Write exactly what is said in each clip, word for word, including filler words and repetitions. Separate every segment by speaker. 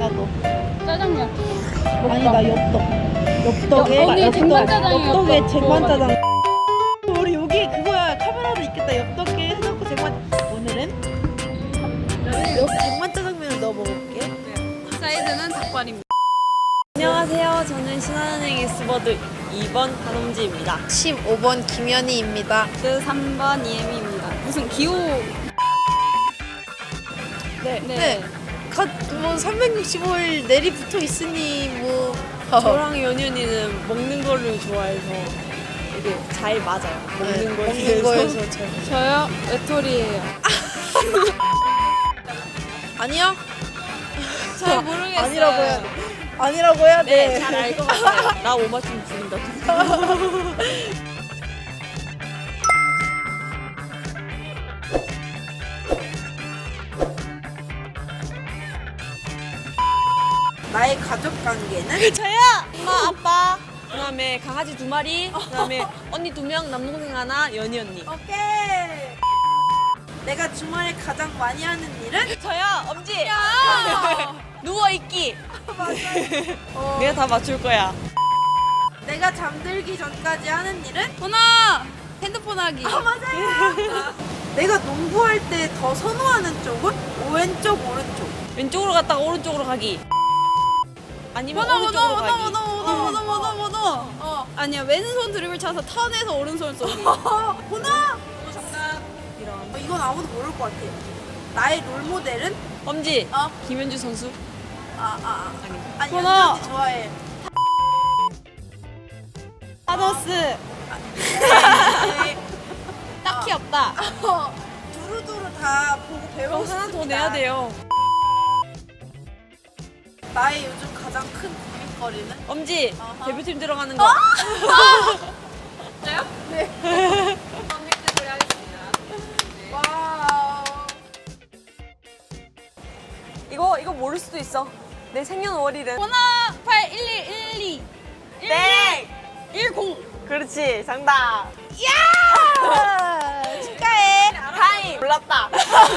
Speaker 1: 달라고.
Speaker 2: 짜장면.
Speaker 1: 아니 나 엽떡. 엽떡에
Speaker 2: 여- 언니 쟁반짜장이야,
Speaker 1: 엽떡에
Speaker 2: 엽떡.
Speaker 1: 쟁반짜장. 우리 여기 그거야 카메라도 있겠다. 엽떡에 해놓고 쟁반. 오늘은 엽 쟁반짜장면을 넣어 먹어볼게.
Speaker 2: 사이즈는 닭발입니다.
Speaker 3: 안녕하세요. 저는 신한은행 S버드 이 번 한엄지입니다.
Speaker 1: 십오 번 김연희입니다.
Speaker 2: 그 삼 번 이혜미입니다. 무슨 기호.
Speaker 3: 네.
Speaker 1: 네. 갓뭐 삼백육십오 일 내리 붙어 있으니 뭐.
Speaker 3: 저랑 연윤이는 먹는 거를 좋아해서 이게 잘 맞아요. 먹는
Speaker 1: 네,
Speaker 3: 거에
Speaker 1: 먹는
Speaker 3: 대해서.
Speaker 1: 거에서 잘.
Speaker 2: 저요? 외톨이에요.
Speaker 1: 아니요?
Speaker 2: 잘 모르겠어요.
Speaker 1: 아니라고 해야 돼. 아니라고 해야 돼.
Speaker 3: 네, 잘 알 것 같아요. 나 못 맞추면 죽인다.
Speaker 1: 나의 가족 관계는?
Speaker 3: 저요! 엄마, 아빠, 그 다음에 강아지 두 마리, 그 다음에 언니 두 명, 남동생 하나, 연희 언니.
Speaker 1: 오케이. 내가 주말에 가장 많이 하는 일은?
Speaker 3: 저요! 엄지! 누워있기!
Speaker 1: 어,
Speaker 3: 내가 다 맞출 거야.
Speaker 1: 내가 잠들기 전까지 하는 일은?
Speaker 2: 전화! 핸드폰 하기.
Speaker 1: 아 맞아요. 내가 농구할 때 더 선호하는 쪽은? 왼쪽 오른쪽.
Speaker 3: 왼쪽으로 갔다가 오른쪽으로 가기. 아니면
Speaker 2: 번호,
Speaker 3: 오른쪽으로
Speaker 2: 번호,
Speaker 3: 가기.
Speaker 2: 번호, 번호, 번호, 번호, 번호.
Speaker 1: 어.
Speaker 2: 아니야, 왼손 드리블 차서 턴해서 오른손 쏘기.
Speaker 1: 어, 보나?
Speaker 2: 정답.
Speaker 3: 이런.
Speaker 1: 어, 이건 아무도 모를 것 같아. 나의 롤모델은?
Speaker 3: 엄지!
Speaker 1: 어.
Speaker 3: 김현주 선수?
Speaker 1: 아, 아, 아.
Speaker 3: 아니.
Speaker 1: 아니,
Speaker 2: 번호.
Speaker 1: 연지 좋아해.
Speaker 2: 타노스.
Speaker 1: 네.
Speaker 2: 딱히 없다.
Speaker 1: 어, 두루두루 다 보고 배우고
Speaker 3: 그럼
Speaker 1: 싶습니다.
Speaker 3: 하나 더 내야 돼요.
Speaker 1: 나의 요즘 가장 큰 고민거리는?
Speaker 3: 엄지!
Speaker 1: 어허.
Speaker 3: 대표팀 들어가는 거.
Speaker 2: 진짜요?
Speaker 1: 네.
Speaker 2: 컴퓨터 소리 하겠습니다.
Speaker 1: 와우.
Speaker 3: 이거, 이거 모를 수도 있어. 내 생년월일은.
Speaker 2: 번호 팔 일 일 일 이
Speaker 3: 네!
Speaker 2: 일공.
Speaker 3: 그렇지, 정답.
Speaker 1: 아, 축하해.
Speaker 3: 타임! 몰랐다.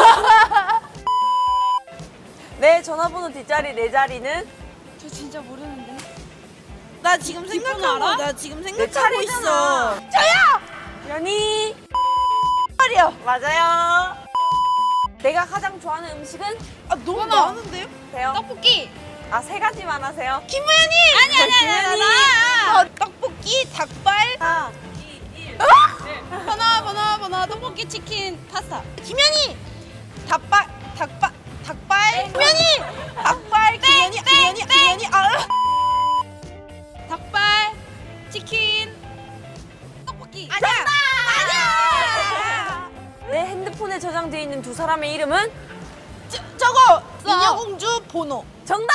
Speaker 3: 내 전화번호 뒷자리 네 자리는
Speaker 2: 저 진짜 모르는데.
Speaker 1: 나 지금 생각하고
Speaker 2: 알아?
Speaker 1: 나 지금
Speaker 3: 내
Speaker 1: 생각하고 있어.
Speaker 3: 차례잖아. 저요! 연희!
Speaker 1: 말이야.
Speaker 3: 맞아요. 내가 가장 좋아하는 음식은?
Speaker 1: 아 너무
Speaker 2: 번호.
Speaker 1: 많은데요?
Speaker 3: 돼요?
Speaker 2: 떡볶이.
Speaker 3: 아, 세 가지만 하세요.
Speaker 1: 김우현이.
Speaker 2: 아니 아니 아니 아니.
Speaker 1: 어, 떡볶이, 닭발.
Speaker 3: 아,
Speaker 2: 번호 번호 번호 떡볶이 치킨 파스타.
Speaker 1: 김현이. 닭발, 닭발, 닭발. 김현이. 닭발, 김현이, 김현이, 김현이. 아.
Speaker 2: 닭발 치킨 떡볶이.
Speaker 1: 아니야. 아니야.
Speaker 3: 내 핸드폰에 저장되어 있는 두 사람의 이름은?
Speaker 1: 저, 저거
Speaker 2: 써.
Speaker 1: 인어공주 번호.
Speaker 3: 정답!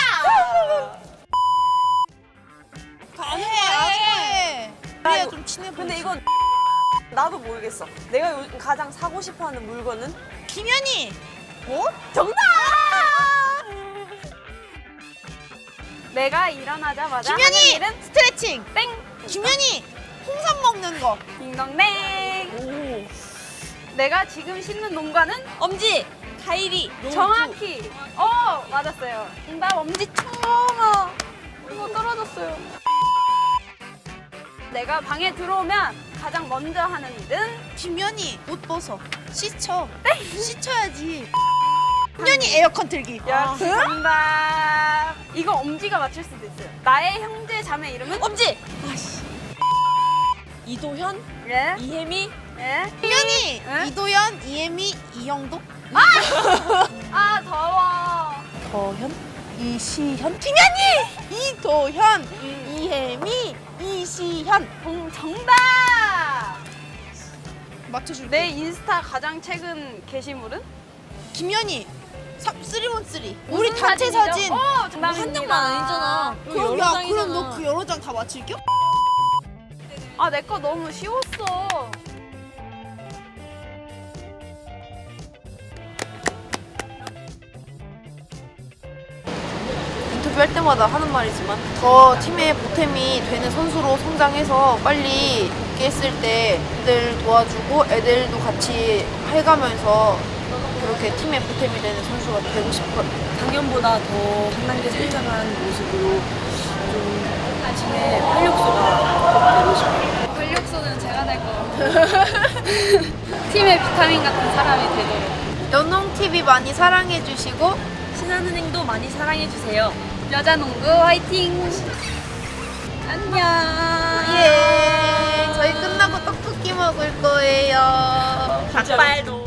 Speaker 1: 해, 해. 그래야 좀 친해 보이지.
Speaker 3: 근데 이건 나도 모르겠어. 내가 요즘 가장 사고 싶어하는 물건은?
Speaker 1: 김현이. 뭐?
Speaker 3: 정답!
Speaker 2: 내가 일어나자마자
Speaker 1: 김현이.
Speaker 2: 하는 일은
Speaker 1: 스트레칭.
Speaker 2: 땡.
Speaker 1: 김현이. 홍삼 먹는 거.
Speaker 2: 딩동댕.
Speaker 3: 오.
Speaker 2: 내가 지금 신는 농가는
Speaker 3: 엄지! 카이리!
Speaker 2: 정확히. 어 맞았어요. 정답 엄지 청아. 이거 떨어졌어요. 내가 방에 들어오면 가장 먼저 하는 일은
Speaker 1: 김현이 옷 벗어. 씻어. 씻어야지. 김현이 에어컨 틀기.
Speaker 2: 역시 정답. 이거 엄지가 맞출 수도 있어요. 나의 형제 자매 이름은
Speaker 3: 엄지! 아씨. 이도현?
Speaker 2: 예?
Speaker 3: 이혜미?
Speaker 2: 예?
Speaker 1: 김현이.
Speaker 2: 응?
Speaker 1: 이도현, 이혜미, 이영도.
Speaker 2: 아 더워.
Speaker 1: 더현, 이시현. 김현이. 이도현, 이혜미, 이시현.
Speaker 2: 정, 정답.
Speaker 1: 맞춰줄게.
Speaker 2: 내 인스타 가장 최근 게시물은?
Speaker 1: 김현이. 삼백십삼. 우리
Speaker 2: 무슨
Speaker 1: 단체
Speaker 2: 사진이죠?
Speaker 1: 사진.
Speaker 2: 어, 정답입니다.
Speaker 3: 한 장만 아니잖아. 이거
Speaker 1: 그럼
Speaker 3: 여러
Speaker 1: 야,
Speaker 3: 장이잖아.
Speaker 1: 그럼 너 그 여러 장 다 맞힐겨?
Speaker 2: 아, 내 거 너무 쉬웠어.
Speaker 1: 인터뷰할 때마다 하는 말이지만 더 팀의 보탬이 되는 선수로 성장해서 빨리 복귀했을 때 애들 도와주고 애들도 같이 해가면서 그렇게 팀에 보탬이 되는 선수가 되고 싶어요.
Speaker 3: 작년보다 더 한 단계 성장한 모습으로 좀 팀의 활력소가 되고 싶어요.
Speaker 2: 활력소는 제가 될 것 같아요. 팀의 비타민 같은 사람이 되도록.
Speaker 1: 연홍티비 많이 사랑해주시고
Speaker 3: 신한은행도 많이 사랑해주세요.
Speaker 2: 여자농구 화이팅! 안녕.
Speaker 1: 예 저희 끝나고 떡볶이 먹을 거예요.
Speaker 3: 닭발도.